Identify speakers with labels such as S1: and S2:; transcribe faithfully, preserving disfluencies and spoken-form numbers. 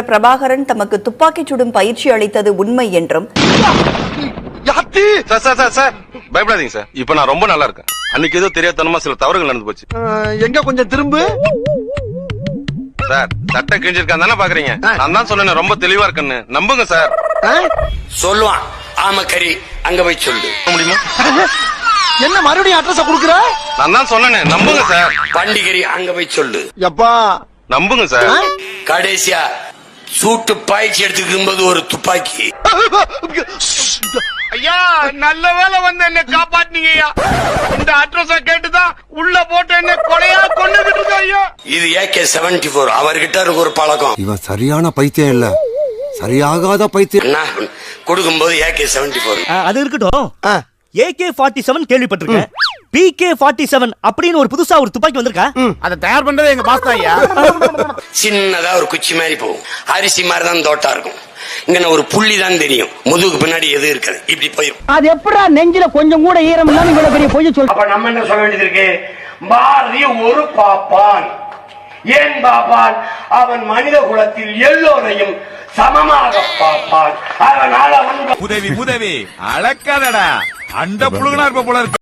S1: பிரபாகரன் தமக்கு துப்பாக்கிச் சுடும் பயிற்சி அளித்தது உண்மை என்றும்,
S2: சார் சார் சார் சார் பயப்படாதீங்க சார், இப்ப நான் ரொம்ப நல்லா இருக்கேன். அன்னைக்கு ஏதோ தெரியாதனமா சில தவறுகள் நடந்து போச்சு.
S3: எங்க கொஞ்சம் திரும்ப
S2: சார். சட்டை கிழிஞ்சிருக்கான் தானே பாக்குறீங்க? நான் தான் சொன்னேன் ரொம்ப தெளிவா இருக்குன்னு, நம்புங்க சார்.
S4: சொல்லுவான் ஆமா கறி, அங்க போய் சொல்லு
S2: முடியுமா?
S3: என்ன மறுபடியும் அட்ரஸ் குடுக்குற?
S2: நான் தான் சொன்னேன், நம்புங்க சார்.
S4: பண்டிகரி அங்க போய் சொல்லு.
S3: எப்பா
S2: நம்புங்க சார்.
S4: கடைசியா சூட்டு பாய்ச்சி எடுத்துக்கும் போது ஒரு துப்பாக்கி.
S5: ஐயா நல்ல வேலை வந்து என்ன காப்பாத்தினீங்க ஐயா. இந்த அட்ரஸ கேட்டுதான் உள்ள போட்டு என்ன கொலையா கொண்டுகிட்டு இருக்க ஐயா.
S4: இது ஏகே செவன்டி போர். அவர்கிட்ட இருக்கு ஒரு பழக்கம்.
S6: இவன் சரியான பைத்தியம் இல்ல, சரியாகாத பைத்தியம்.
S4: கொடுக்கும் போது ஏகே செவன்டி போர்.
S7: அது இருக்கட்டும். ஏகே ஃபார்ட்டி செவன் கேள்விப்பட்டிருக்கேன். பிகே ஃபார்ட்டி செவன் அப்படின்னு ஒரு புதுசா ஒரு துப்பாக்கி வந்திருக்கா?
S5: அதை தயார் பண்றது எங்க பாஸ் தான் ஐயா.
S4: சின்னதா ஒரு குச்சி மாதிரி போகும், அரிசி மாதிரி தான் தோட்டா இருக்கும். இங்க ஒரு புள்ளி தான் தெரியும், முதுகுக்கு பின்னாடி எது இருக்காது, இப்படி போயிடும்.
S8: அது எப்படா நெஞ்சில கொஞ்சம் கூட ஈரம் இல்லாம இவ்வளவு பெரிய பொய்ய சொல்ற?
S4: அப்ப நம்ம என்ன சொல்ல வேண்டியது இருக்கு? பாரதி ஒரு பாப்பான். ஏன் பாப்பான்? அவன் மனித குலத்தில் எல்லோரையும் சமமாக பார்ப்பான். அதனால அவன்
S9: உதவி உதவி அளக்காதடா, அண்ட புழுகனா இருப்ப போல இருக்கு.